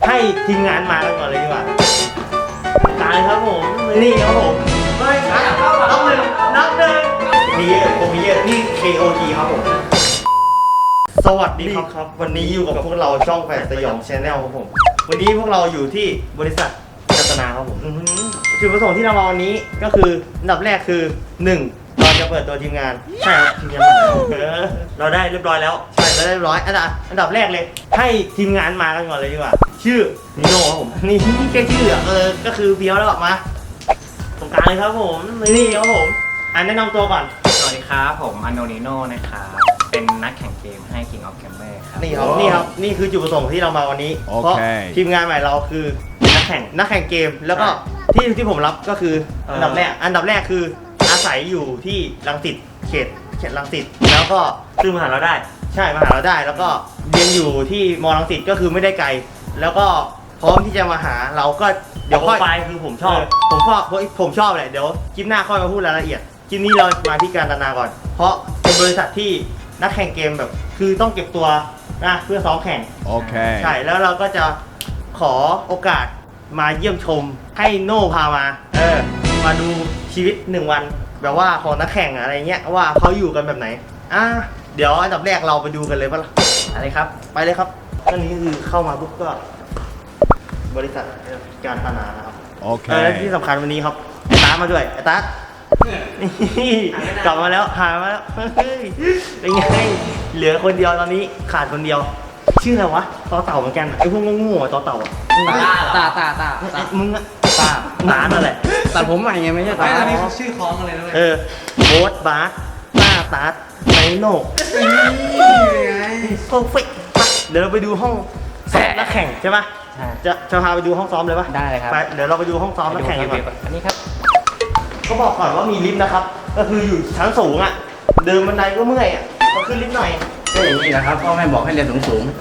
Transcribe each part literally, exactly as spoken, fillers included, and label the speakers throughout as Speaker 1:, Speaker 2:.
Speaker 1: ให้ทีมงานมากันก่อนเลยดีกว่าตายครับผมนี่ครับผมไม่ช้านับหนึ่งนับหนึ่งนี่ผมมีเยอะนี่ เค โอ ที ครับผมสวัสดีครับครับวันนี้อยู่กับพวกเราช่องแฝดสยองชาแนลครับผมวันนี้พวกเราอยู่ที่บริษัทกัตนาครับผมจุดประสงค์ที่เรามาวันนี้ก็คืออันดับแรกคือหนึ่งเราจะเปิดตัวทีมงานใช่ครับทีมงานเราได้เรียบร้อยแล้วใช่เราได้เรียบร้อยอันดับอันดับแรกเลยให้ทีมงานมากันก่อนเลยดีกว่าชื่อนิโน่ครับผมนี่แค่ชื่อเออก็คือเพียวแล้วออกมาตรงกลางเลยครับผมนี่ครับผมอันแนะนำตัวก่อน
Speaker 2: สวัสดีครับผมอันโนนิโน่นะครับเป็นนักแข่งเกมให้ King of Gamer ครับ
Speaker 1: นี่ครับนี่ครับนี่คือจุดประสงค์ที่เรามาวันนี้เพราะทีมงานใหม่เราคือนักแข่งนักแข่งเกมแล้วก็ที่ที่ผมรับก็คืออันดับแรกอันดับแรกคืออาศัยอยู่ที่รังสิตเขตเขตรังสิตแล้วก็ซึ่งมาหาเราได้ใช่มาหาเราได้แล้วก็เรียนอยู่ที่มรังสิตก็คือไม่ได้ไกลแล้วก็พร้อมที่จะมาหาเราก็เดี๋ยวค่อยไปคือผมชอบผมชอบผมชอบแหละเดี๋ยวคลิปหน้าค่อยมาพูดรายละเอียดคลิปนี้เรามาที่การตนาก่อนเพราะเป็นบริษัทที่นักแข่งเกมแบบคือต้องเก็บตัวนะเพื่อซ้อมแข่ง
Speaker 3: โอเค
Speaker 1: ใช่แล้วเราก็จะขอโอกาสมาเยี่ยมชมให้โน่พามาเออมาดูชีวิตหนึ่งวันแบบว่าของนักแข่งอะไรเงี้ยว่าเขาอยู่กันแบบไหนอ่ะเดี๋ยวอันดับแรกเราไปดูกันเลยป่ะล่ะอะไรครับไปเลยครับอันนี้คือเข้ามาปุ๊บก็บริษัทการตนานะครับ
Speaker 3: โอเค
Speaker 1: และที่สำคัญวันนี้ครับไอ้ตามาด้วยไอ้ตา กลับมาแล้วหายมาแล้วเฮ้ยเป็นไงเหลือคนเดียวตอนนี้ขาดคนเดียวชื่ออะไรวะต่อเต่าเหมือนกันไอ้พวกงูๆต่อเต่าอ่ะ
Speaker 2: ตาตาตาตา
Speaker 1: มึงอะตาตานั่นแหละ
Speaker 2: ตัดผมใหม่ไงไม่ใช่ตา
Speaker 4: อันนี้ชื่อคล้องอะไรนะ
Speaker 1: เออโบ๊ทบาสต้าตาสไนโน่โคฟิกเดี๋ยวเราไปดูห้องซ้อมนักแข่งใช่ปะจะจะพาไปดูห้องซ้อมเลยปะ
Speaker 2: ได้เลยครับ
Speaker 1: ไปเดี๋ยวเราไปดูห้องซ้อมนักแข่งกันก่อน
Speaker 2: อันนี้ครับ
Speaker 1: ก็บอกก่อนว่ามีลิฟต์นะครับก็คืออยู่ชั้นสูงอ่ะเดินบันไดก็เมื่อยอ่ะพอขึ้นลิฟต์หน่อย
Speaker 2: ก็อย่างนี้นะครับพ่อแม่บอกให้เรียนสูงสูง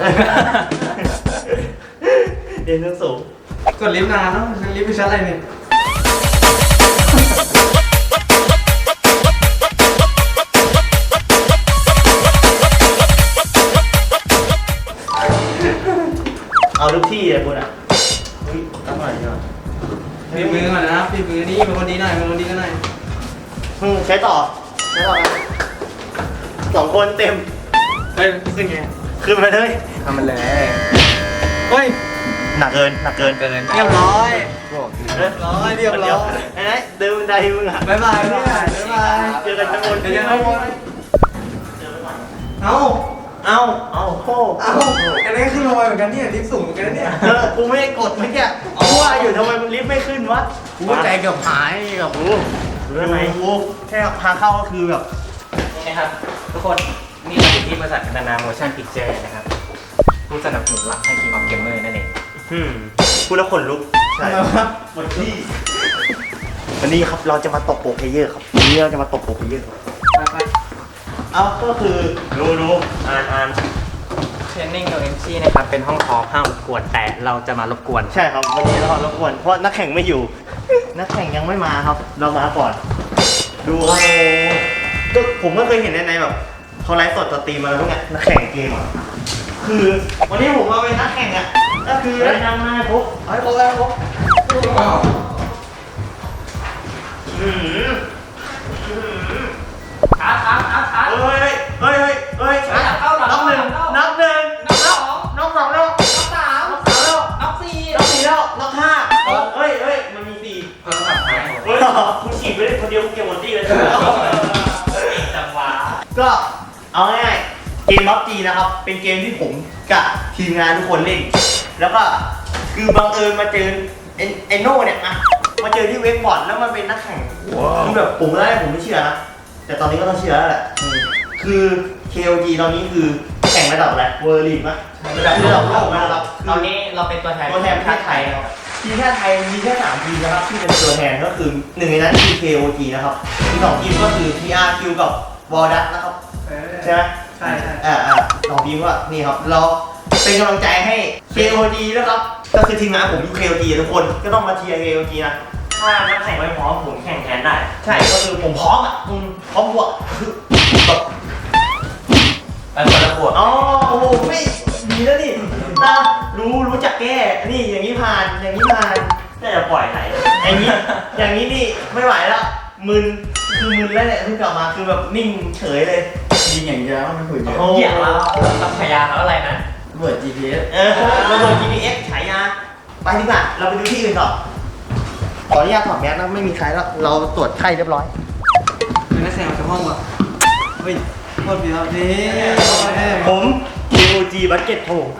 Speaker 1: เรียนสูง
Speaker 4: กดลิฟต์นานเนาะลิฟต์ไปชั้นอะไรเนี่ย
Speaker 1: เอาทุกที่เลยคุณอ่ะอุ้ยตั้งหน่อยดีกว่า
Speaker 4: ปีมือก่อนนะปีมือนี่เป็นคนดีหน่อยเป็นคนดีกันหน่อย
Speaker 1: อืมใช้ต่อใช้ต่อสองคนเต็ม
Speaker 4: เฮ้ยขึ้นไง
Speaker 1: ขึ้นไปเลย
Speaker 2: ทำมันเลย
Speaker 4: เฮ้ย
Speaker 1: หนักเกินหนักเกิน
Speaker 2: เกิน
Speaker 4: เรียบร้อย
Speaker 1: เรียบร้อยเรียบร้อยไอ้เดินบันไดมึงอ่ะ
Speaker 4: บ๊ายบายบ๊ายบายบ๊ายบาย
Speaker 1: เจอกันชั้นบน
Speaker 4: เจอกันชั้นบนเอา
Speaker 1: เอาเอาโค้
Speaker 4: เอาอันนี้ขึ้นมาเหมือนกันเนี่ยลิฟต์สูงเหมือนกันเนี่ย
Speaker 1: กูไม่ได้กดเมื่อกี้กูว่าอยู่ทำไมมันลิฟต์ไม่ขึ้นวะ
Speaker 2: กูใจเกือบหายกับกู
Speaker 1: รู้ไหมกูแค่ทางเข้าก็คือแบบ
Speaker 2: นี่นะครับทุกคนนี่เราอยู่ที่บริษัทกัตนาโมชั่นพิกเจอร์นะครับผู้สนับสนุนหลักให้ King of Gamer นั่นเอง
Speaker 1: อืมพูดแล้วขนลุกใช่ครับวันนี้วันนี้ครับเราจะมาตบโปรเพเยอร์ครับวันนี้เราจะมาตบโปรเพเยอร์ครับเอาก็คือดูดูอ่านอ่าน
Speaker 2: เทรนนิ่ง โน เอ็ม ซี นะครับเป็นห้องคอห้ามรบกวนแต่เราจะมารบกวน
Speaker 1: ใช่ครับวันนี้เรารบกวนเพราะนักแข่งไม่อยู่นักแข่งยังไม่มาครับเรามาก่อนดูครับก็ผมก็เคยเห็นในในแบบเขาไลฟ์สดสตรีมมาแล้วพวกเนี้ยนักแข่งเกมอ่ะคือวันนี้ผมมาเป็นนักแข่งอ่ะก็คือได้นำมาครบเอาให้ครบแล้วครบอืม
Speaker 4: ครับครับครับครับ
Speaker 1: เฮ้ยเฮ้ยเฮ้ยเฮ้ยนับหนึ่งนับหนึ่งนับสองนับสองแล้ว
Speaker 4: นับสาม
Speaker 1: นับสามแล้ว
Speaker 4: นับสี่
Speaker 1: นับสี่แล้วนับห้าเฮ้ยเฮ้ยมันมีสี่
Speaker 4: เพิ่มสับท้าย
Speaker 1: เฮ้ยคุณฉีกไปเลยคนเดียวคุณเก็บหมดที่เลย
Speaker 4: จังหวะ
Speaker 1: ก็เอาง่ายๆเกมบัฟจีนะครับเป็นเกมที่ผมกับทีมงานทุกคนเล่นแล้วก็คือบังเอิญมาเจอไอโน่เนี่ยนะมาเจอที่เวกบอร์ดแล้วมันเป็นนักแข่งคือแบบผมแรกผมไม่เชื่อนะแต่ตอนนี้ก็ต้องเชื่อแล้วแหละคือ เค โอ จี ตอนนี้คือแข่งระดับอะไรเวอร์ลีกมั้ยระดับระดับโลกนะครับ
Speaker 2: ตอนนี้เราเป็นตัวแทน
Speaker 1: ตัวแทนประเทศไทยนะครับทีมชาติไทยมีแค่สามทีมนะครับที่เป็นตัวแทนก็คือหนึ่งในนั้นคือ เค โอ จี นะครับอีกสองทีมก็คือ ที อาร์ คิว กับวอลดัสนะครับใช่ไหม
Speaker 4: ใช่ใช่
Speaker 1: อ่าอ่าสองทีมว่านี่ครับเราเป็นกำลังใจให้ เค โอ จี นะครับก็คือทีมงานผมอยู่ เค โอ จี ทุกคนก็ต้องมาเชียร์ เค โอ จี นะถ้านักแข่งไม่พร้อมผมแข่งแทนได้ใช่ก็คือผมพร้อมอ่ะพร้อมบวกคือแบบ
Speaker 2: ไปคนละขวด
Speaker 1: อ๋อโอ้โหไม่ดีแล้วนี่นะรู้รู้จักแก้นี่อย่างนี้ผ่านอย่างนี้ผ่านน่าจะปล่อยไหลอย่างนี้อย่างนี้นี่ไม่ไหวแล้วมึนคือมึนแล้วเนี่ยเพิ่งกลับมาคือแบบนิ่งเฉยเลย
Speaker 4: ยิงอย่างเดียวมันหุ่นเยอะ
Speaker 1: โอ้
Speaker 2: เหี้ยเราเราพยาเขาอะไรนะ
Speaker 4: เบิร์ด จี พี เอส
Speaker 1: เออระเบิด จี พี เอส ฉายาไปดีกว่าเราไปดูที่อื่นต่อขออนุญาตถอดแมสนะไม่มีใครแล้วเราตรวจไข้เรียบร้อย
Speaker 4: เป็นนักแสดงจากห้องป่ะเฮ้ยโคตรดีครับนี่
Speaker 1: ผม เค โอ จี Bucket ครับผม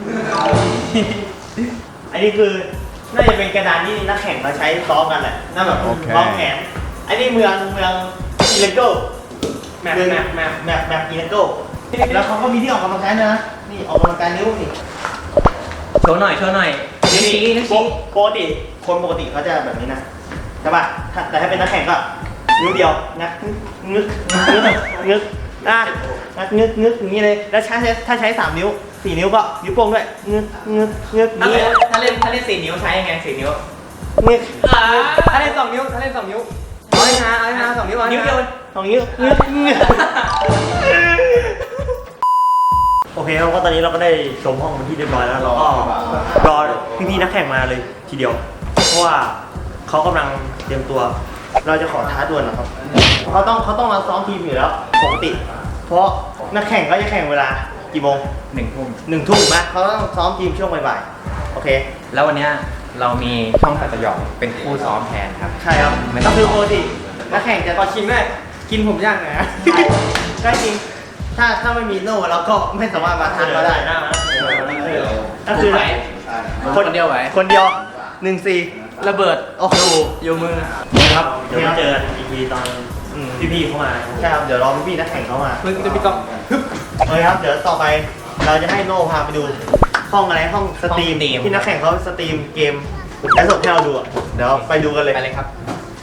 Speaker 1: อันนี้คือน่าจะเป็นกระดานที่นักแข่งมาใช้ซ้อมกันแหละน่าแบบซ้อมแขนอันนี้เมืองเมืองอิเลโก้
Speaker 2: แมปแมปแมป
Speaker 1: แมปแมปอิเลโก้แล้วเขาก็มีที่ออกกำลังกายด้วยนะนี่ออกกำลังกายนิ้วนี่
Speaker 2: โชว์หน่อยโชว์หน่อยนิ้วชี้นิ้ว
Speaker 1: ป
Speaker 2: ชี้
Speaker 1: กปกติคนปกติเขาจะแบบนี้นะใช่ป่ะถ้าแต่ถ้าเป็นนักแข่งก็นิ้วเดียวงัดงึกงึกงึกอ่ะงัดงึกงึกอย่างนี้เลยแล้วใช้ถ้าใช้สามนิ้วสี่นิ้วก็นิ้วโป้งด้วยงึกงึกงึก
Speaker 2: ถ้า
Speaker 1: นี้
Speaker 2: เล่นถ้าเล่นถ้าเล่นสี่นิ้วใช้ยังไงสี่นิ้ว
Speaker 1: งึก
Speaker 2: ถ้าเล่นสองนิ้วถ้าเล่นสองนิ้วเอาให้มาเอาให้มาสองนิ้วนิ้วเดียว
Speaker 1: สองนิ้วงึกงึกโอเคครับก็ตอนนี้เราก็ได้ชมห้องเป็นที่เรียบร้อยแล้วเราก็รอพี่ๆนักแข่งมาเลยทีเดียว เพราะว่าเขากำลังเตรียมตัว เราจะขอท้าดวลนะครับเขาต้องเขาต้องมาซ้อมทีมอยู่แล้วปกติ เพราะนักแข่งก็จะแข่งเวลากี่โมง
Speaker 2: หนึ่งทุ่ม
Speaker 1: หนึ่งทุ่มนะเขาต้องซ้อมทีมช่วงบ่ายๆโอเค
Speaker 2: แล้ววันเนี้ยเรามีช่องตัดต่อเป็นคู่ซ้อมแทนครับ
Speaker 1: ใช่ครับ
Speaker 2: ไม่ต้
Speaker 1: ก็
Speaker 2: อง
Speaker 1: คือปกตินักแข่งจะ
Speaker 4: ขอชิมด้วยกินผมย่างหน่อยนะ
Speaker 1: ใช่จริงถ้าถ้าไม่มีโน่เราก็ไม่สามารถมาทานเราได้นะก็คือ
Speaker 2: คนเดียวไหว
Speaker 1: คนเดียวหนึ่งสี่
Speaker 2: ระเบิด
Speaker 1: โอ้โห
Speaker 2: อยู่มือ
Speaker 1: ครับเดี๋ยวมาเจอกันอีกทีตอนพี่ๆเข้ามาใช่ครับเดี๋ยวรอพี่ๆนักแข่งเข้ามา
Speaker 4: มึงจะมีกล้องฮึบ
Speaker 1: โอเคครับเดี๋ยวต่อไปเราจะให้โน่พาไปดูห้องอะไรห้องสตรีมที่นักแข่งเขาสตรีมเกมและสดให้เราดูอะเดี๋ยวไปดูกันเลย
Speaker 2: ไปเลยครับ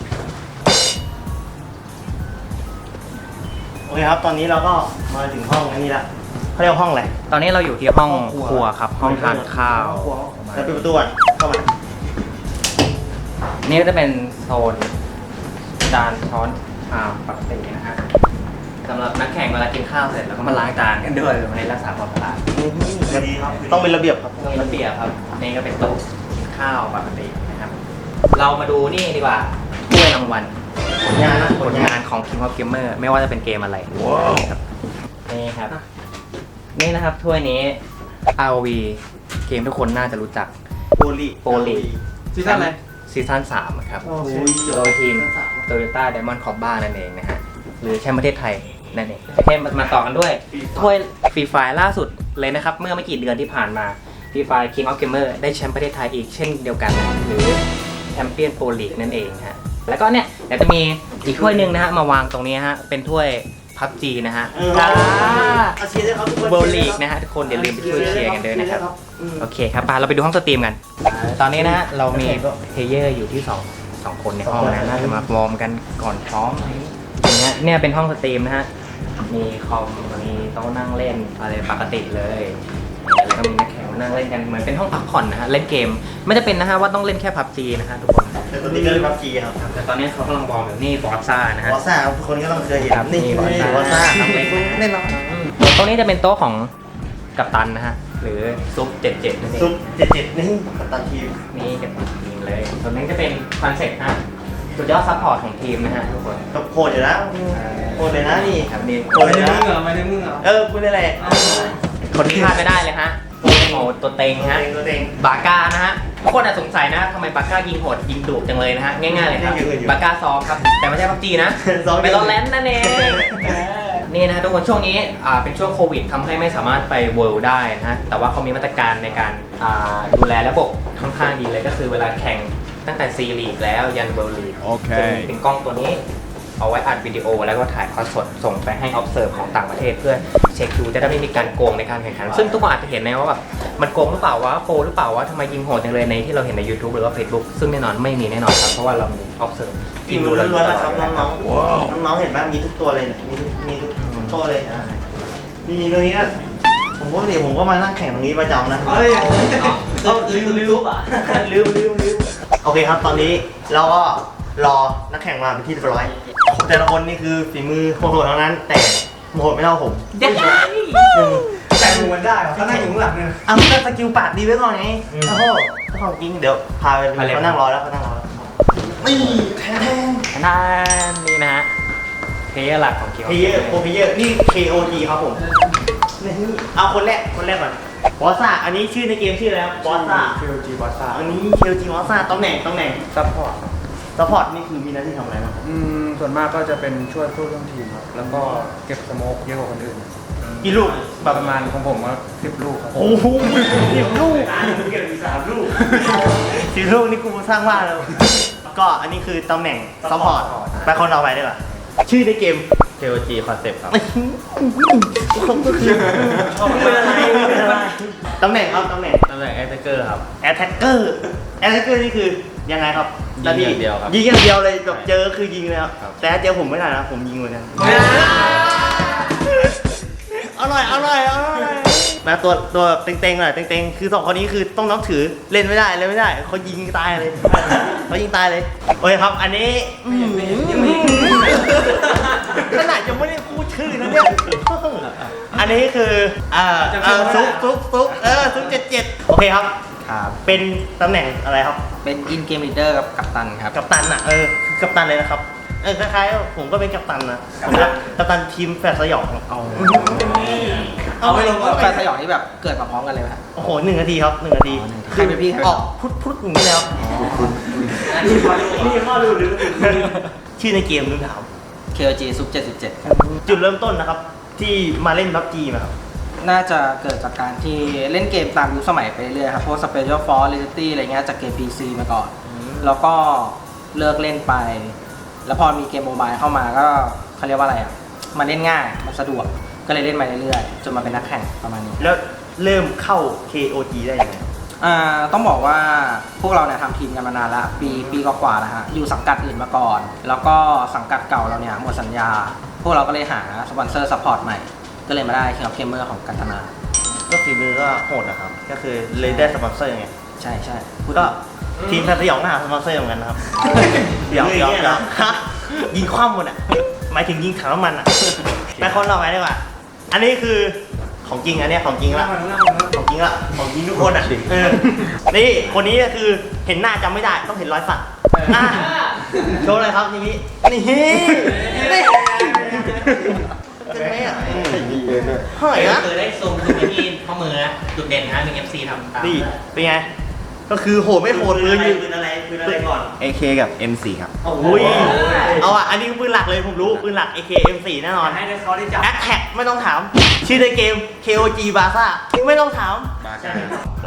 Speaker 1: โอเคครับตอนนี้เราก็มาถึงห้องอันนี้ละเขาเรียกว่าห้องอะไร
Speaker 2: ตอนนี้เราอยู่ที่ห้องครัวครับ ห้องทานข้าว
Speaker 1: แล้วปิดประตูก่อนเข้ามา
Speaker 2: นี่ก็จะเป็นโซนจานช้อนชามปกตินะฮะสำหรับนักแข่งเวลากินข้าวเสร็จแล้วก็มาล้างจานกันด้วยในรักษาความสะอาด
Speaker 1: ต้องเป็นระเบียบครับ
Speaker 2: มีระเบียบครับนี่ก็เป็นโต๊ะกินข้าวปกตินะครับ เรามาดูนี่ดีกว่าถ้วยรางวัล
Speaker 1: ผลงานนะ
Speaker 2: ผลงานของ King of Gamer ไม่ว่าจะเป็นเกมอะไรนี่ครับนี่ครับ นี่นะครับถ้วยนี้ อาร์ โอ วี เกมทุกคนน่าจะรู้จัก
Speaker 1: โปลี
Speaker 2: โปลี
Speaker 4: ซีซั่นอะไร
Speaker 2: ซีซั่นสามครับ
Speaker 1: โอ้โห
Speaker 2: โดยทีม Toyota Diamond Corba นั่นเองนะฮะ หรือแชมป์ประเทศไทยนั่นเองโอเคมามาต่อกันด้วย ถ้วยฟรีไฟล่าสุดเลยนะครับ เมื่อไม่กี่เดือนที่ผ่านมาฟรีไฟ King of Gamer ได้แชมป์ประเทศไทยอีกเช่นเดียวกัน หรือแชมเปี้ยนโปรลีกนั่นเองฮะ แล้วก็เนี่ยเดี๋ยวจะมีอีกถ้วยหนึ่งนะฮะ มาวางตรงนี้ฮะ เป็นถ้วยพับจีนะฮะ
Speaker 1: เออ
Speaker 2: จ้า
Speaker 1: เอาเชียร์ด้วยครับทุกคน
Speaker 2: เวิลด์ลีกนะฮะทุกคนอย่าลืมไปช่วยเชียร์กันด้วยนะครับ โอเคครับไปเราไปดูห้องสตรีมกัน ตอนนี้นะฮะเรามีเพลเยอร์อยู่ที่สองสองคนในห้องนะน่าจะมาวอร์มกันก่อนซ้อมอย่างเงี้ยเนี่ยเป็นห้องสตรีมนะฮะ มีคอม มีโต๊ะนั่งเล่นอะไรปกติเลยแล้วก็มีนักแข่งมานั่งเล่นกันเหมือนเป็นห้องพักผ่อนนะฮะ เล่นเกม ไม่จะเป็นนะฮะว่าต้องเล่นแค่พับจีนะฮะทุกคน
Speaker 1: แต่ตอนนี้ก็เลยพับจีครับ
Speaker 2: แต่ตอนนี้เขากำลังวอร์มอยู่นี่บอสซ่านะฮะ
Speaker 1: วอซ่าทุกคนก็ต้องเคยเห็น
Speaker 2: ครับ
Speaker 1: นี่
Speaker 2: นี่
Speaker 1: ว
Speaker 2: ว
Speaker 1: อ
Speaker 2: อซ่า
Speaker 1: ซ่า
Speaker 2: ครับเล่นนะฮะ
Speaker 1: แน่นอน
Speaker 2: โต๊ะนี้จะเป็นโต๊ะของกัปตันนะฮะ หรือซุปเจ็ดเจ็ดนั่นเอง
Speaker 1: ซุปเจ็ดเจ็ดนี่กัปตันทีม
Speaker 2: นี่กับทีมเลยส่วนนี้จะเป็นคอนเซ็ปต์ฮะสุดยอดซัพพอร์ตของทีมนะฮะทุกคน
Speaker 1: ก็โคตรอยู่นะโคตรเลยนะนี่
Speaker 2: ครับนี่
Speaker 1: โคตร
Speaker 4: ไม่
Speaker 1: เลย
Speaker 4: ได้
Speaker 1: นะ
Speaker 4: มึงเหรอไม่ได้มึงเหรอ
Speaker 1: เออคุณนี่แหละ
Speaker 2: คนที่พลาดไม่ได้เลยฮะโอ้โหตัวเต็งฮะ
Speaker 1: ตัวเอง
Speaker 2: บาก้านะฮะทุกคนอาจสงสัยนะทำไมบาก้ายิงโหดยิงดุจังเลยนะฮะง่ายๆเลยครับบาก้าซ้อมครับแต่ไม่ใช่พับจีนะเป็นรถแลนด์นั่นเองนี่นะฮะทุกคนช่วงนี้อ่าเป็นช่วงโควิดทำให้ไม่สามารถไปเวิลด์ได้นะฮะแต่ว่าเขามีมาตรการในการอ่าดูแลระบบค่อนข้างดีเลยก็คือเวลาแข่งตั้งแต่ซีลีกแล้วยันเวิลด์ลีก
Speaker 3: โอเค
Speaker 2: จะมีเป็นกล้องตัวนี้เอาไว้อัดวิดีโอแล้วก็ถ่ายทอดสดส่งไปให้ observe ของต่างประเทศเพื่อเช็คดูจะได้ไม่มีการโกงในการแข่งขัน ซึ่งทุกคนอาจจะเห็นนะว่าแบบมันโกงหรือเปล่าวะโปรหรือเปล่าวะทำไมยิงโหดจังเลยในที่เราเห็นใน YouTube หรือว่า Facebook ซึ่งแน่นอนไม่มีแน่นอนครับเพราะว่าเรามี observe
Speaker 1: ทีมล้วนๆแล้วครับน้องๆน้องๆเห็นบ้างมีทุกตัวเลยเนี่ยมีทุกมีทุกตัวเลยมีตรงนี้ก็ผมก็เดี๋ยวผมก็มานั่งแข่งตรงนี้ประจำนะ
Speaker 4: เฮ้ย
Speaker 1: เอาลืมลืมอ่ะลืมลืมลืมโอเคครับตอนนี้เราก็รอนักแข่งมาเป็นที่เรียบร้อยแต่ละคนนี่คือฝีมือโหดๆทั้งนั้น แต่โหดไม่เท่าผม
Speaker 2: เย้
Speaker 1: หนึ่งแต่มูมันได้เขานั่งอยู่ข้างหลังเนี่ยอ่ะมันก็สกิลปากดีไว้ก่อนไงโอ้โหเจ้าของจริงเดี๋ยวพาไปเขานั่งรอแล้วเขานั่งรอแล้วนี่แทน
Speaker 2: นั่นนี่นะฮะเพลเยอร์หลักของเคียว
Speaker 1: เพเยอร์โปรเพเยอร์นี่ เค โอ ที ครับผมนี่เอาคนแรกคนแรกก่อนบอสซ่าอันนี้ชื่อในเกมชื่ออะไรครับบอสซ่า
Speaker 4: เคโอจีบอสซ่า
Speaker 1: อันนี้ เค โอ ที บอสซ่าตำแหน่งตำแหน่ง
Speaker 4: ซัพพอร์ต
Speaker 1: ซัพพอร์ตนี่คือมีหน้าที่ทำอะไรบ้างครับ
Speaker 4: อืมส่วนมากก็จะเป็นช่วยผู้ร่วมทีมครับแล้วก็เก็บสโมกเยอะกว่าคนอื่น
Speaker 1: กี่ลูก
Speaker 4: ประมาณของผมก็สิบลูกครับ
Speaker 1: โอ้โหสิบลูกเก็บสามลูกสิบลูกนี่กูสร้างบ้านแล้วก็อันนี้คือตำแหน่งซัพพอร์ตไปคนเราไปดีกว่าชื่อในเกม
Speaker 2: เค โอ จี Concept ครับ
Speaker 1: เขาก็คือชอบเป็นอะไรเป็นอะไรตำแหน่งครับตำแหน่ง
Speaker 2: ตำแหน่งแอตแทกเกอร์ครับ
Speaker 1: แอตแทกเกอร์แอตแทกเกอร์นี่คือยังไงครับ
Speaker 2: ยิงอย่างเดียวครับ
Speaker 1: ยิงอย่างเดียวเลยแบบเจอคือยิงเลยครับ
Speaker 2: ครับ
Speaker 1: แต่ถ้าเจอผมไม่ได้นะผมยิงเหมือนกันอร่อยอร่อยอร่อยมาตัวตัวเต็งๆหน่อยเต็งๆคือสองคนนี้คือต้องนับถือเล่นไม่ได้เล่นไม่ได้เขายิงตายเลยเขายิงตายเลยโอเคครับอันนี้ขนาดยังไม่ได้พูดชื่อนะเนี่ยอันนี้คืออ่าเออซุกซุกซุกเออซุกเจ็ดเจ็ดโอเคครับ
Speaker 2: ครับ
Speaker 1: เป็นตำแหน่งอะไรครับ
Speaker 2: เป็นอินเกมลีดเดอร์กับกัปตันครับ
Speaker 1: กัปตันอ่ะเออคือกัปตันเลยนะครับเออคล้ายๆผมก็เป็นกัปตันนะผมก็กัปตันทีมแฟร์สยองเอาเอาไปลง
Speaker 3: แฟนสยองนี่แบบเกิดมาพร้อมกันเลยไหมครับ
Speaker 1: โอ้โหหนึ่งนาทีครับหนึ่งนาที
Speaker 3: ใครเป็นพี่ใครเป็น
Speaker 1: อ
Speaker 3: น้
Speaker 1: อ
Speaker 3: อก ง
Speaker 1: พุทพุทอย่างนี้แล้วนี่ข้อรู้หรือชื่อในเกมนึงถาม
Speaker 3: เค โอ จี ซุปเจ็ดสิบเจ็ดครับ
Speaker 1: จุดเริ่มต้นนะครับ ที่มาเล่นบัฟจีมาครับ
Speaker 3: น่าจะเกิดจากการที่เล่นเกมตามยุคสมัยไปเรื่อยๆครับพวก Special Force Reality อะไรเงี้ยจากเกม พี ซี มาก่อน แล้วก็เลิกเล่นไป แล้วพอมีเกมโมบายเข้ามาก็เขาเรียกว่าอะไรอ่ะมันเล่นง่ายมันสะดวกก็เลยเล่นมาเรื่อยๆจนมาเป็นนักแข่งประมาณนี้
Speaker 1: แล้วเริ่มเข้า เค โอ จี ได้ยังไง
Speaker 3: อ่าต้องบอกว่าพวกเราเนี่ยทำทีมกันมานานแล้วปีปีกว่าๆแล้วฮะอยู่สังกัดอื่นมาก่อน แล้วก็สังกัดเก่าเราเนี่ยหมดสัญญา พวกเราก็เลยหาสปอนเซอร์ซัพพอร์ตใหม่ ก็เลยมาได้ King of Gamer ของกันตนา
Speaker 1: ก็ฝีมือก็โหดนะครับ ก็คือเลยได้สปอนเซอร์ไง
Speaker 3: ใช่ใช่
Speaker 1: ก็ทีมแฟนสยองก็หาสปอนเซอร์เหมือนกันนะครับเดี๋ยวเดี๋ยวเดี๋ยวฮะยิงคว่ำหมดอ่ะหมายถึงยิงถังน้ำมันอ่ะไปคนเราไปดีกว่าอันนี้คือของจริงอันเนี้ยของจริงละของจริงละของจริงทุกคนอ่ะเออนี่คนนี้ก็คือเห็นหน้าจำไม่ได้ต้องเห็นรอยสักอ่ะโชว์เลยครับทีนี้นี่นี่เป็นไงอ่ะเฮ้ยนะ
Speaker 2: เคยได้ซูมดูที่ข้อมือนะจุดเด่นนะหนึ่ง เอฟ ซี ทำตาม
Speaker 1: นี่เป็นไงก็คือโหดไม่โหดเลยยืนปืนอะไรปืนอะไรก่อน
Speaker 5: เอ เค กับ เอ็ม โฟร์ ครับ
Speaker 1: โอ้ยเอาอ่ะ อันนี้ปืนหลักเลยผมรู้ปืนหลัก เอ เค เอ็ม โฟร์ แน่นอน
Speaker 2: ให้เขาได้จับ
Speaker 1: แอคแท็กไม่ต้องถาม ชื่อในเกม เค โอ จี บาซ่าไม่ต้องถาม
Speaker 5: บาซ่า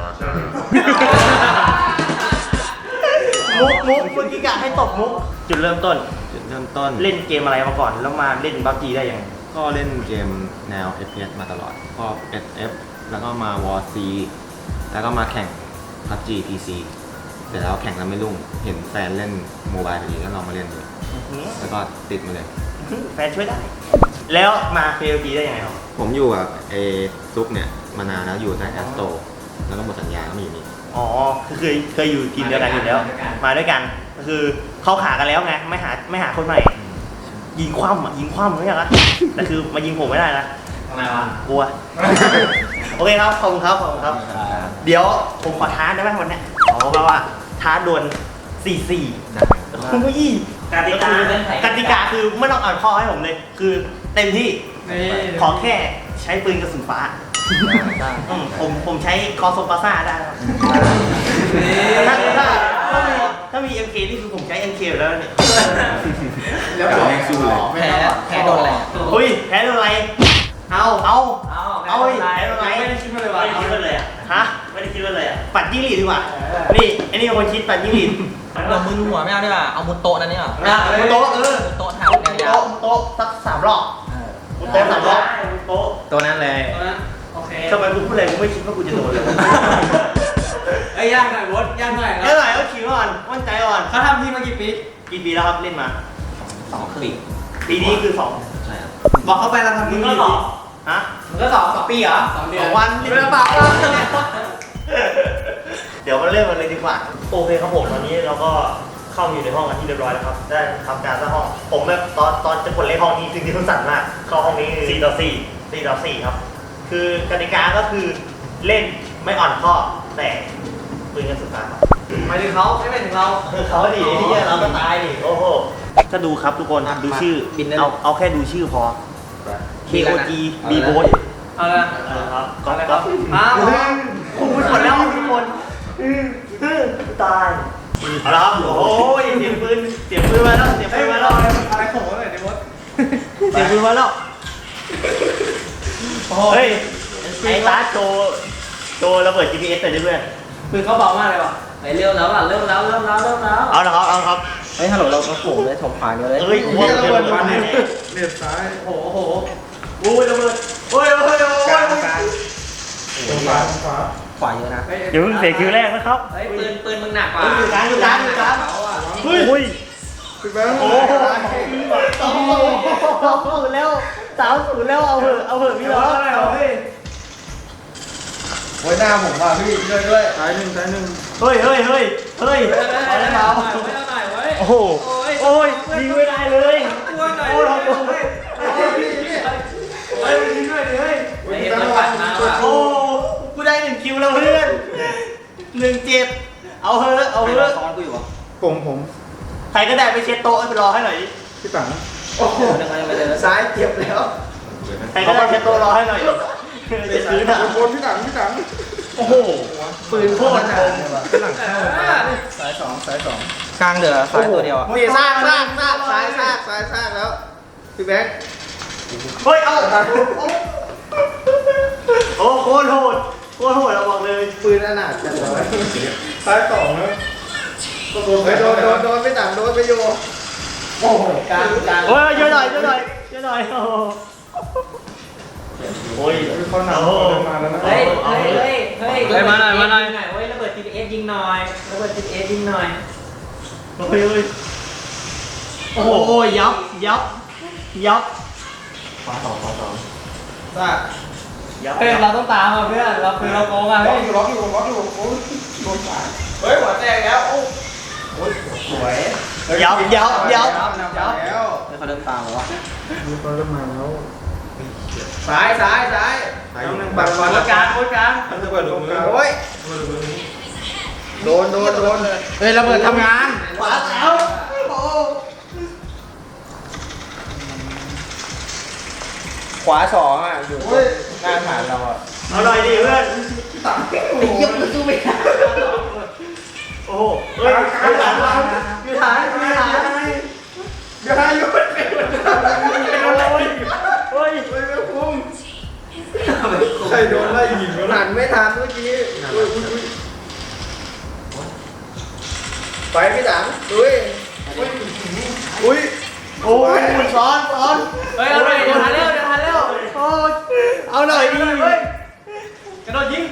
Speaker 1: มุกมุกเมื่อกี้กะให้ตบมุก จุดเริ่มต้น
Speaker 5: จุดเริ่มต้น
Speaker 1: เล่นเกมอะไรมาก่อน แล้วมาเล่นบัฟจีได้ยังไง
Speaker 5: ก็เล่นเกมแนว เอฟ พี เอส มาตลอดก็ เอส เอฟ แล้วก็มา วอร์ ซี แล้วก็มาแข่ง พับจี พี ซี แต่แล้วแข่งแล้วไม่รุ่ง เห็นแฟนเล่นโมบายพอดีก็ลองมาเล่นดูแล้วก็ติดมาเลย
Speaker 1: แฟนช่วยได้ แล้วมา เค โอ จี ได้ยังไงครับ
Speaker 5: ผมอยู่กับเอซุปเนี่ย มานานแล้วอยู่ในแอสโตแล้วก็หมดสัญญาก็มาอยู่นี่
Speaker 1: อ๋อคือเคยเคยอยู่ทีมเดียวกันอยู่แล้ว มาด้วยกัน ก็คือเขาขากันแล้วไง ไม่หาไม่หาคนใหม่ ยิงคว่ำอ่ะยิงคว่ำไม่อยากละแต่คือมายิงผมไม่ได้นะ
Speaker 2: ทำไมวะ
Speaker 1: กลัว โอเคครับ ขอบคุณครับ ขอบคุณครับ เดี๋ยวผมขอท้าได้ไหมวันเนี้ยอ๋อแปลว่าท้าดวลสี่สี่คุณผู้ยี่กติกากติกาคือไม่ต้องอ่านข้อให้ผมเลย คือเต็มที่ ขอแค่ใช้ปืนกระสุนฟ้าอืมผมผมใช้คอโซปาซ่าได้ครับถ้าถ้าถ้ามีถ้ามี เอ็ม เค นี่คือผมใช้ เอ็ม เค อยู่แล้วเนี่ย
Speaker 5: แล้วผมยังสู้เลย
Speaker 3: แพ้แพ้โดนอะไรอ่ะ
Speaker 1: เฮ้ยแพ้โดนอะไร เอาเอา
Speaker 2: เอา
Speaker 1: เอาเฮ้ยแพ้โดนอะไร
Speaker 2: ไม่ได้คิดเลยว่ะ
Speaker 1: ไม่ได้คิดเลยอ่ะฮะไม่ได้คิดเลยอ่ะปัดยิ่งหลีดดีกว่านี่ไอ้นี่เป็นคนคิดปัดยิ่งหลีด
Speaker 3: เรามือหัวไม่เอาดีกว่าเอามุดโต๊ะนั่นนี่หรอ
Speaker 1: อ่ะมุดโต๊ะเออ
Speaker 3: มุดโต๊ะทางยาว
Speaker 1: โต๊ะโต๊ะสักสามรอบมุดโต๊ะสามรอบโต๊ะ
Speaker 2: ตัวนั้นเลย
Speaker 4: โอเค
Speaker 1: ทำไมกูพูดอะไรกูไม่คิดว่ากูจะโดนเลย
Speaker 4: ไอ้ย่างหน่อยบดย่างหน่อย
Speaker 1: แค่ไหนก็คิดก่อนมั่นใจก่อน
Speaker 4: เขาทำทีมากี่ปี
Speaker 1: กี่ปีแล้วครับเล่นมา
Speaker 3: สองปี
Speaker 1: ปีนี้คือสอง
Speaker 5: ใช่ครับ
Speaker 4: บอกเขาไปเราทำทีมากี่ปี
Speaker 1: ฮะ
Speaker 4: มึงก็สองสองปีเหรอสองเดื
Speaker 1: ส
Speaker 4: อ
Speaker 1: อน งวันเดือนเปล่าเดี๋ยวมาเริ่มกันเลยดีกว่าโอเคครับผมตอนนี้เราก็เข้ามาอยู่ในห้องกันที่เรียบร้อยแล้วครับได้ทำการสร้างห้องผมแบบตอนตอนจะกดเลขห้องนี้จริงๆมันสั่นมากเข้าห้องนี้สี่ต่อสี่สี่ต่อสี่ครับคือกติกาก็คือเล่นไม่อ่อนข้อแต่ปืนกันสุดท้าย
Speaker 3: หมายถึงเขาไม่หมายถึงเรา
Speaker 1: คือเขาดิที่เราก็ตายดิโอ้โหก็ดูครับทุกคนดูชื่อ
Speaker 3: บินได้
Speaker 1: เอาเอาแค่ดูชื่อพอ เค โอ จี B Boat
Speaker 3: เอาละ
Speaker 1: เออครับก๊อฟก๊อฟ
Speaker 3: อ้าว
Speaker 1: คูณหมดแล้วทุกคนตายเอาละครับโอ้ยเสียงปืนเสียงปืนมาแล้วเสียงปืนมาแล้ว
Speaker 4: อะไรของผมหน่อยดิวะ
Speaker 1: เสียงปืนมาแล้วเฮ้ยไอ้ตาโจโจระเบิด จี พี เอส ใส่ด้วยเพื่อน
Speaker 3: ปืนเขาเบามากเลยว่ะไปเร็วแล้วอ่ะเร็วแล้วเร็วแล้วเร็วแล้ว
Speaker 1: เอาละครับเอาครับ
Speaker 3: เฮ้ยฮัลโหลเราเราโผล่เลยถมผ่านกันเลย
Speaker 1: เอ้ยหัวระเบิดมาเนี่ย
Speaker 4: เลียดซ้าย
Speaker 3: โอ้โห
Speaker 1: โอ้ยระเบิดโอ้ยโอ้ยโอ้ย
Speaker 4: กลางกลางตรงขวาตรงขวา
Speaker 3: ขวาเยอะนะ
Speaker 1: เดี๋ยวเพิ่งเสียคิวแรกนะครับ
Speaker 3: เฮ้ยปืนปืนมึงหนักกว่า
Speaker 1: อยู่กลางอยู่กลางอยู่กลาง
Speaker 3: เขาอ่ะ
Speaker 1: เฮ้ย
Speaker 4: พี่แบงค์
Speaker 1: โอ้โหสองศูนย์แล้วสามศูนย์แล้วเอาเถอะเอาเถอะพี่น้อง
Speaker 4: ไว้หน้าผมว่ะพี่ช่วยด้วยซ้ายหนึ่งซ้ายหนึ่ง
Speaker 1: เฮ้ยเฮ้ยเฮ้ยเฮ้ย
Speaker 3: เอาเลยเอาหน่อยเอาหน่อยเว้ย
Speaker 1: โอ้โหโอ้ยยิงไม่ได้เลย
Speaker 3: ตัวหน่อย
Speaker 1: โอ้ย
Speaker 3: เว้ย
Speaker 1: โอ้ย
Speaker 3: เฮ้ยยิงด้วยดิเฮ้ยไม่เห็นมันปัดมาว่ะ
Speaker 1: โอ้กูได้หนึ่งคิวแล้วเพื่อนหนึ่งเจ็ดเอาเถอะเอา
Speaker 3: ใคร
Speaker 1: เถ
Speaker 3: มา
Speaker 1: อะ
Speaker 3: ซ้อนกูอยู่วะ
Speaker 4: ผมผม
Speaker 1: ใครก็ได้ไปเช็ดโต๊ะไปรอให้หน่อยดิ
Speaker 4: พี่ตัง
Speaker 3: โอ้โหยังไงยังไม่เจอ
Speaker 4: ซ้ายเจ็บแล้ว
Speaker 1: ใครก็ได้เช็ดโต๊ะรอให้หน่อยจะซื้อหนัก
Speaker 4: บนพี่ตังพี่ตัง
Speaker 1: โอ้โหปืนโคตรคม
Speaker 4: พี่หลังเข้าสายสองสายสอง
Speaker 3: กลางเดือซ้ายตัวเดียวอ่ะ
Speaker 4: นี่สร้างสร้างสร้างซ้ายสร้างซ้ายสร้างแล้วพี่แบงค์
Speaker 1: เฮ้ยเอาโอ้โคตรโหดโคตรโหดเราบอกเลย
Speaker 4: ปืนอนาถจังเลยซ้ายสองแล้วโดนโดนโดนโดนพี่ตังโดนไปอยู่โอ้โห
Speaker 3: กลางกลาง
Speaker 1: โอ้ยช่วยหน่อยช่วยหน่อยช่วยหน่อยโอ้โหโอ้ย
Speaker 4: เขาหนาวเขามาแล้วนะ
Speaker 3: เฮ้ยเฮ้ยเฮ้ยเฮ้ยเฮ้ยมาหน่อยมาหน่อยเฮ้ยระเบิด จี พี เอส ยิงหน่อยระเบิด จี พี เอส ยิงหน่อย
Speaker 1: โอ้ยโอ้ยโอ้โหยับยับยับ
Speaker 4: ขวาสองขวาสอง
Speaker 3: ว่า
Speaker 1: ยับ
Speaker 3: เพื่อนเราต้องตามอ่ะเพื่อนเราคือเราโกงอ่ะ
Speaker 4: ล็อ
Speaker 3: เฮ้
Speaker 4: ก
Speaker 3: ย
Speaker 4: อยู่ล็อกอยู่ล็อกอยู่โอ้ยโดนสาย
Speaker 3: เฮ้ยหัวแตกแล้วโอ้
Speaker 4: โอ้ยสวย
Speaker 1: ยับยับยับ
Speaker 4: แล้ว
Speaker 3: เฮ้ยเขาเดินตามเหรอวะ
Speaker 4: มีคนเริ่มมาแล้ว
Speaker 3: ซ้ายซ้ายซ้าย
Speaker 4: ต้องนั่งบัง
Speaker 3: โค้ดกลางโค้ดกลาง
Speaker 4: มันจะเปิดตรงกลางโอ้ยโดนโดนโดน
Speaker 3: เฮ้ยระเบิดทำงาน
Speaker 1: ขวาแล้วโอ้
Speaker 3: ขวาสองอ่ะอยู่หน้าฐานเราอ่ะ
Speaker 1: เอาหน่อยดิเพื่อน
Speaker 3: ไอ้เหี้ยมันสู้ไม่ได้
Speaker 1: โอ้โหเฮ้ยอยู่ฐานอยู่ฐานอยู่ฐาน
Speaker 4: เดี๋ยวให้ยุบเป็น
Speaker 1: โอ้ยโอ้ย
Speaker 4: ใครโดนไล่ยิงวะหันไม่ทันเมื่อกี้ไปพี่ตังดุยอุ้ย
Speaker 1: โอ้ยซ้อนซ้อน
Speaker 3: เฮ้ยเอาหน่อยเดี๋ยวทันเร็วเดี๋ยวทันเร็ว
Speaker 1: โอ้ยเอาหน่อยดิ
Speaker 3: เฮ้ยกระโดดยิง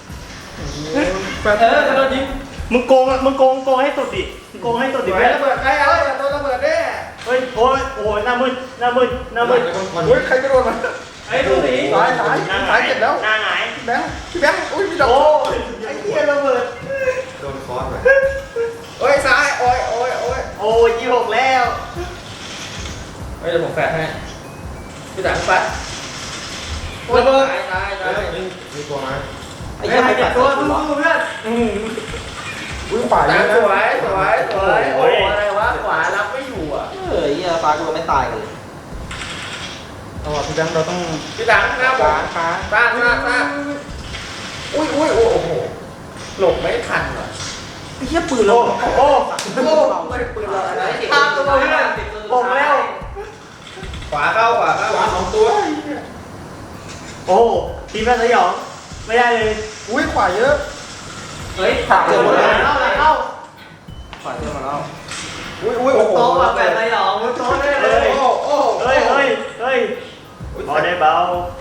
Speaker 3: เออกระโดดยิง
Speaker 1: มึงโกงมึงโกงโกงให้สุดดิโกงให้สุดดิ
Speaker 4: ไป
Speaker 1: เพื่อน
Speaker 4: ระเบิดใครเอาโดนระเบิดแน่
Speaker 1: เฮ้ยโอ้ยโอ้ยหน้ามืดหน้ามืดหน้ามืด
Speaker 4: อุ้ยใครจะโดนมัน
Speaker 3: ไอ้ดูสิ
Speaker 4: สายสาย
Speaker 1: หน้าห
Speaker 4: สาง
Speaker 1: าย ย
Speaker 4: เจ็บแล้ว
Speaker 1: หน้าหงาย
Speaker 4: พี่แบงค์พี่แบงค์อุ้ยพี่ดอก
Speaker 1: โอ้ยไอ้เหี้ยระเบิด
Speaker 5: โดนคอร์สไป
Speaker 4: โอ้ยซ้ายโอ้ยโอ้ยโอ้ย
Speaker 1: โอ้ยยี่หกแล้ว
Speaker 3: เฮ้ยเดี๋ยวผมแฝงให้
Speaker 4: พี่ตังไประเบิดตายตายตาย
Speaker 5: มีตัวไหม
Speaker 3: ไอ้เหี้ยไม่ตัดตัวสู้เพื่อน
Speaker 4: อุ้ยฝ่าย
Speaker 3: ตา
Speaker 4: เย
Speaker 3: ม
Speaker 4: อะ
Speaker 3: ส
Speaker 4: นะ
Speaker 3: วยสวยสวยโอ้ยอะไรวะขวารับไม่อยู่อ่ะเฮ้ยเหี้ยฟ้ากูไม่ตายเลย
Speaker 4: เอาว่ะพี่แบงค์เราต้อง
Speaker 3: พี่ตังหน้าผ
Speaker 4: ฟ้าม ฟ้า
Speaker 3: ฟ้าฟ้าฟ้า
Speaker 4: อุ้ยอุ้ยโอ้โหหลบไม่ทันว่ะ
Speaker 3: ไอ้เหี้ยปืนเรา
Speaker 1: โอ้โอ้
Speaker 3: โอ้ไม่ได้ปืนเราอะไร
Speaker 1: ตามตัวเพื่อนผมแล้ว
Speaker 3: ขวาเข้าขวาเข้า
Speaker 4: ขวาสองตัว
Speaker 1: โอ้ทีมแม่สยองไม่ได้เลย
Speaker 4: อุ้ยขวาเยอะ
Speaker 3: เฮ้ยขาด
Speaker 1: เจ
Speaker 3: เจ
Speaker 1: อ
Speaker 3: อ
Speaker 1: ห
Speaker 3: ห
Speaker 1: ม
Speaker 3: ม
Speaker 1: ด
Speaker 3: ด
Speaker 1: แล้
Speaker 3: แล้ว ว
Speaker 1: เข้าเข้า
Speaker 3: ขวาเจอหมดแล้ว
Speaker 4: อุ้ยอุ้ยโอ้โห
Speaker 3: โต๊ะแบบแบบสยองโต๊ะได้เล
Speaker 1: เฮ้
Speaker 3: ย
Speaker 1: ย
Speaker 4: โอ้โอ้
Speaker 1: เฮ้ยเฮ้ยเฮ้ยพอได้เบา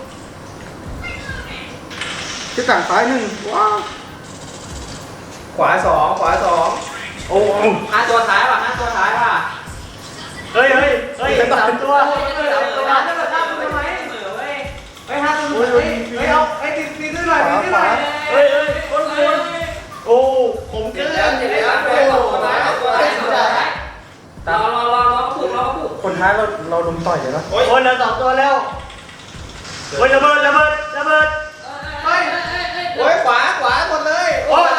Speaker 4: ที่ต่างซ้ายหนึ่งว้าว
Speaker 3: ขวาสองขวาสอง
Speaker 1: โอ้
Speaker 3: ห้าตัวท้ายป่ะห้าตัวท้ายป่ะ
Speaker 1: เฮ้ยเฮ้ยเฮ้ยสามตัว
Speaker 3: เฮ้ยห้าตัวท้ายทำไมเหมือเว้ยเฮ้ยห้าตัวเฮ้ยเฮ้ยเอาไอ้ติดติดด้วยหน่อยติดด้วยหน่อย
Speaker 1: เฮ้ยเฮ้ยคนคนโอ้ผมเกิน
Speaker 3: เดี๋ยวเดี๋ยวเดี๋ยวตัวท้ายตัวท้ายตัวท้ายรอรอรอรอผูกรอผูก
Speaker 4: คนท้ายเราเราลุมต่อยเลยนะ
Speaker 1: โอ้ยเหลือสองตัวแล้วโอ้ยระเบิดระเบิดระระเบิด
Speaker 4: เฮ้ยโอ้ยขวาขวาหมดเลยโอ้ย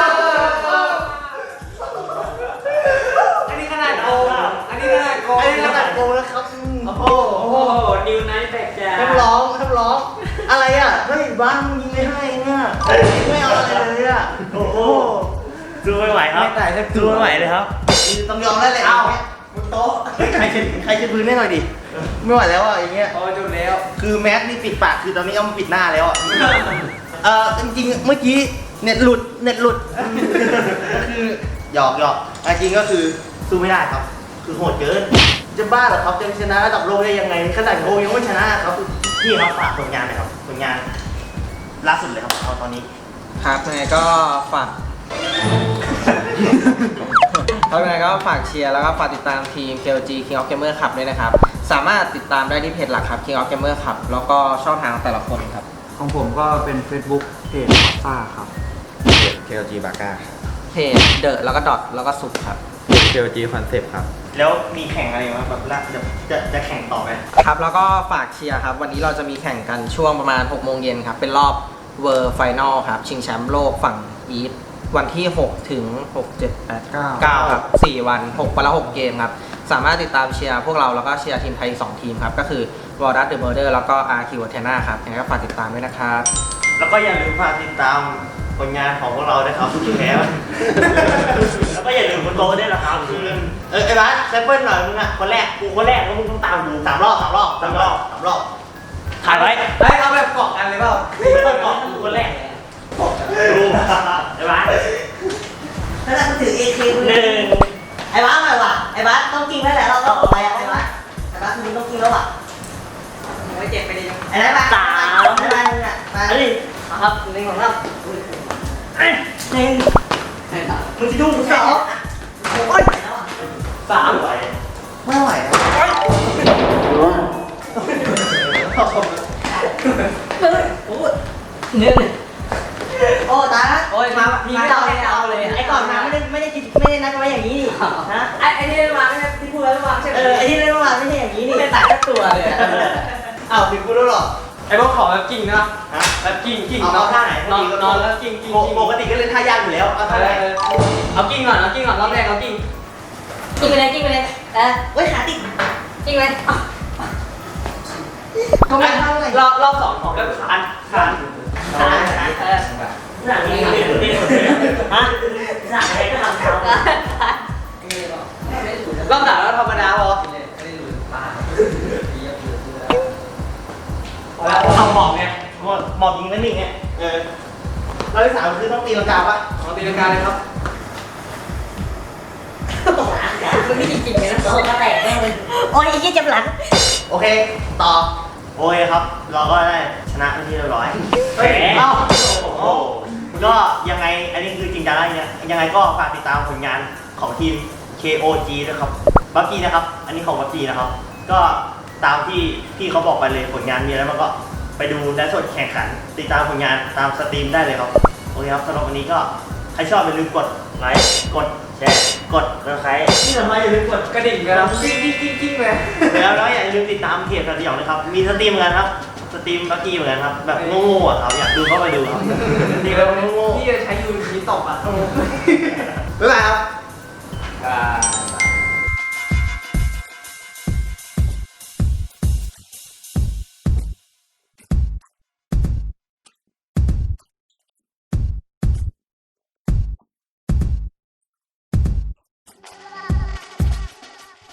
Speaker 3: อันนี้ขนาดโกงอันนี้ขนาดโกง
Speaker 1: ไอ้นี่ขนาดโกงแล้วครับโอ้โห
Speaker 3: โอ้โหนิวไนท์แบกจ้า
Speaker 1: ห้ามร้องห้ามร้องอะไรอ่ะเฮ้ยบ้านมึงยิงไม่ให้เนี่ยไม่เอาอะไรเลยอ่ะโอ้โหดูไม่ไหวครับดูไม่ไหวเลยครับต้องยอมแล้วแหละเอาบนโต๊ะเฮ้ยใครเช็ดใครเช็ดพื้นให้หน่อยดิไม่ไหวแล้วอ่ะอย่างเงี้ย
Speaker 3: พอจุดแล้ว
Speaker 1: คือแมสนี่ปิดปากคือตอนนี้เอามาปิดหน้าแล้วอ่ะเออจริงๆเมื่อกี้เน็ตหลุดเน็ตหลุดก็คือหยอกหยอกแต่จริงก็คือสู้ไม่ได้ครับ คือโหดเกินจะบ้าเหรอครับจะชนะระดับโลกได้ยังไงขนาดโลกยังไม่ชนะครับพี่ครับฝากผลงานหน่อยครับผลงานล่าสุดเลยครับเอาตอนนี้
Speaker 3: ครับยังไงก็ฝากเพราะยังไงก็ฝากเชียร์แล้วก็ฝากติดตามทีม เค โอ จี King of Gamer Club ด้วยนะครับ สามารถติดตามได้ที่เพจหลักครับ King of Gamer Club แล้วก็ช่องทางแต่ละคนครับ
Speaker 6: ของผมก็เป็น Facebook เพจซ่าครับ
Speaker 5: เค แอล จี บาก้า
Speaker 3: เพจเดอะแล้วก็ดอทแล้วก็สุดครับ
Speaker 5: เค แอล จี คอนเซปต์ครับ
Speaker 1: แล้วมีแข่งอะไรไหมแบบละจะจะจะแข่งต่อไหม
Speaker 3: ครับแล้วก็ฝากเชียร์ครับ วันนี้เราจะมีแข่งกันช่วงประมาณหกโมงเย็นครับ เป็นรอบเวอร์ไฟนอลครับ ชิงแชมป์โลกฝั่งอีสวันที่หกถึงหก เจ็ด แปด เก้า เก้าครับสี่วันหกวันละหกเกมครับ สามารถติดตามเชียร์พวกเราแล้วก็เชียร์ทีมไทยอีกสองทีมครับ ก็คือวอร์ดัสเดอะเมอร์เดอร์แล้วก็อาร์คิวเทน่าครับยังไงก็ฝากติดตามด้วยนะครับ
Speaker 1: แล้วก็อย่าลืมฝากติดตามผลงานของพวกเราด้วยครับแพ้ แล้วก็อย่าลืมบนโต๊ะด้วยนะครับเออไอ้บ้านแซมเปิลหน่อยมึงอ่ะคนแรกกูคนแรกแล้วมึงต้องตามกูสามรอบสามรอบสามรอบสามรอบถ่ายไว้
Speaker 3: เฮ้ยเอาแบบเกาะกันเลยเปล่า
Speaker 1: คนก่อนกูคนแรกดูไอ้บ้าน
Speaker 7: แล้วเราถือ เอ เค
Speaker 1: หนึ่ง
Speaker 7: ไอ้บ้าอะไรวะไอ้บ้าต้องกินแล้วแหละเราต้องอะไรอะไอ้บ้าไอ้บ้าคุณต้องกินแล้วอ่ะ
Speaker 3: ไม่เจ็บไปดิ
Speaker 7: ไอ้บ้าไอ้บ้าไอ้บ้าเนี่ยมา
Speaker 1: อันนี้
Speaker 7: ครับหนึ่งของเราหนึ่ง
Speaker 1: มึงจะดูกู
Speaker 7: ส
Speaker 1: ส
Speaker 7: อ
Speaker 1: อง ง
Speaker 7: โอ้ย
Speaker 1: สามไหว
Speaker 7: ไม่ไหวแล้วโอ้ยหนึ่งโอ้ตายละ
Speaker 3: โอ้ยมาพี่ไม่เอาเลยเอาเลย
Speaker 7: ไอ้ก่อนมาไม่ได้ไม่ได้คิดไม่ได้นัดไว้อย่างนี้นี่ฮะ
Speaker 3: ไอ้ไอ้ที่เล่นมาไม่ใช่ที่พูดแล้วมาใช่ไหม
Speaker 7: เออไอ้ที่เล่นเมื่อวานไม่ใช่อย่างนี้นี่
Speaker 3: ไม่ตัดแค่ตัวเลย
Speaker 1: อ้าวถึงกูแล้วหรอ
Speaker 3: ไอ้พวกขอแบบกิ่งนะ
Speaker 1: ฮะ
Speaker 3: แบบกิ่งกิ่ง
Speaker 1: เอาเอาท่าไหน
Speaker 3: นอนนอนแล้วกิ่งกิ่งกิ่ง
Speaker 1: ปกติก็เล่นท่ายากอยู่แล้วเอาท่าไหน
Speaker 3: เอากิ่งก่อนเอากิ่งก่อนรอบแรกเอากิ่ง
Speaker 7: กินไปเลยกินไปเลยเออเว้ยขาติดกินไป
Speaker 3: ทำไมรอบรอบสองของก็คานคาน
Speaker 7: ขาขาเออ
Speaker 1: หนังนี่นี่นี่ฮะ
Speaker 7: ขาอะไรก็ทำเขา
Speaker 3: รอบสามแล้วธรรมดาพอ
Speaker 1: เอาหมอบไงหมอบหมอบยิงแล้วนี่ไงเออเราที่สามคือต้องตีลังกาปะ
Speaker 3: เอาตีลังกาเลยครับ
Speaker 7: มันไม่จริงๆเลยนะโอ้ก็แตกแน่เลยโอ้ยยี่เจ็บหลัง
Speaker 1: โอเคต่อโอเคครับ เราก็ได้ชนะเป็นที่เรียบร้อย
Speaker 3: เฮ้ย
Speaker 1: เอ้าโอ้ก็ยังไงอันนี้คือจริงจังแล้วเนี่ยยังไงก็ฝากติดตามผลงานของทีม เค โอ จี นะครับบัฟกี้นะครับ อันนี้ของบัฟกี้นะครับ ก็ตามที่พี่เขาบอกไปเลยผลงานมีอะไรบ้างก็ไปดูไลฟ์สดแข่งขัน ติดตามผลงานตามสตรีมได้เลยครับโอเคครับสำหรับวันนี้ก็ใครชอบอย่าลืมกดไลค์กดแชร์กดกระไครที่สำคัญอย่าลืมกด
Speaker 3: กระดิ่งกันนะกิ้งกิ้งกิ้งกิ้งเลย
Speaker 1: แล้วแล้วอย่าลืมติดตามเพจสติหยองนะครับมีสตรีมเหมือนกันครับสตรีมบักกี้เหมือนกันครับแบบโง่ๆอ่ะครับอยากดูก็ไปดูครับสตรีมแบบโง่ๆ
Speaker 3: พี่จะใช้ยูนิตตบอ่ะ